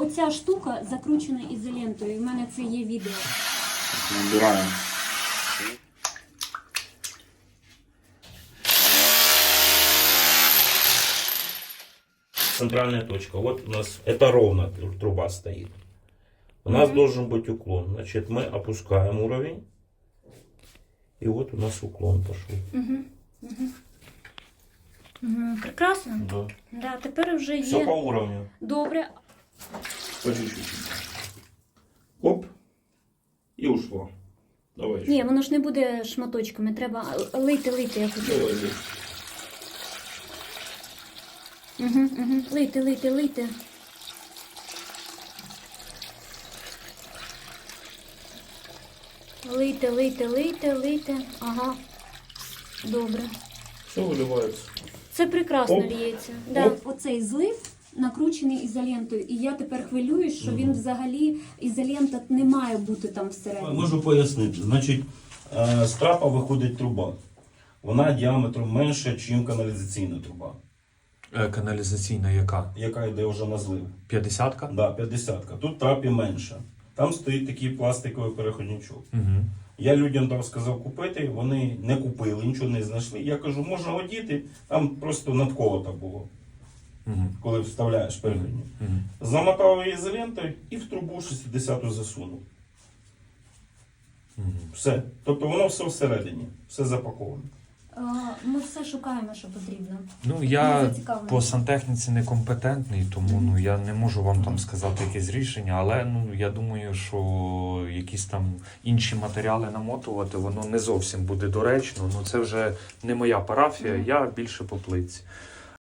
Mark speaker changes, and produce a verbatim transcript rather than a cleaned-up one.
Speaker 1: оця штука закручена ізолентою. У мене це є відео.
Speaker 2: Набираємо.
Speaker 3: Центральная точка. Вот у нас это ровно труба стоит. У нас
Speaker 1: Мгм.
Speaker 3: должен быть уклон. Значит, мы опускаем уровень. И вот у нас уклон пошел.
Speaker 1: Угу. Угу. Угу. Прекрасно.
Speaker 3: Да.
Speaker 1: Да, тепер вже
Speaker 3: Все
Speaker 1: є.
Speaker 3: по уровню.
Speaker 1: Добре.
Speaker 3: По чуть-чуть. Оп. И ушло. Давай еще.
Speaker 1: Ні, воно ж не буде шматочками. Треба лити, лити, я хочу.
Speaker 3: Давай здесь.
Speaker 1: Угу, угу. Лийте, лийте, лийте. Лийте, лийте, лийте, лийте. Ага. Добре.
Speaker 3: Все выливается.
Speaker 1: Це прекрасно
Speaker 3: Оп.
Speaker 1: ліється.
Speaker 3: Оп.
Speaker 1: Да. Оцей злив накручений ізолентою. І я тепер хвилююсь, що він взагалі, ізолента не має бути там всередині.
Speaker 3: Можу пояснити. Значить, е, з трапа виходить труба. Вона діаметром менша, ніж каналізаційна труба,
Speaker 4: Е, Каналізаційна яка?
Speaker 3: яка йде вже на злив.
Speaker 4: п'ятдесятка?
Speaker 3: Да, п'ятдесятка. Тут трапі менша. Там стоїть такий пластиковий переходничок.
Speaker 4: Угу.
Speaker 3: Я людям дав, сказав купити, вони не купили, нічого не знайшли. Я кажу, можна одіти, там просто надколото було,
Speaker 4: Угу.
Speaker 3: коли вставляєш переходник.
Speaker 4: Угу.
Speaker 3: Замотав її ізолентою і в трубу шістдесяту засунув.
Speaker 4: Угу.
Speaker 3: Все. Тобто воно все всередині, все запаковане.
Speaker 1: А, Ми все шукаємо, що потрібно.
Speaker 4: Ну,
Speaker 1: Ми
Speaker 4: я
Speaker 1: зацікавлені.
Speaker 4: по сантехніці некомпетентний, тому ну, я не можу вам там сказати якесь рішення, але ну, я думаю, що якісь там інші матеріали намотувати, воно не зовсім буде доречно. Ну, це вже не моя парафія, я більше по плитці.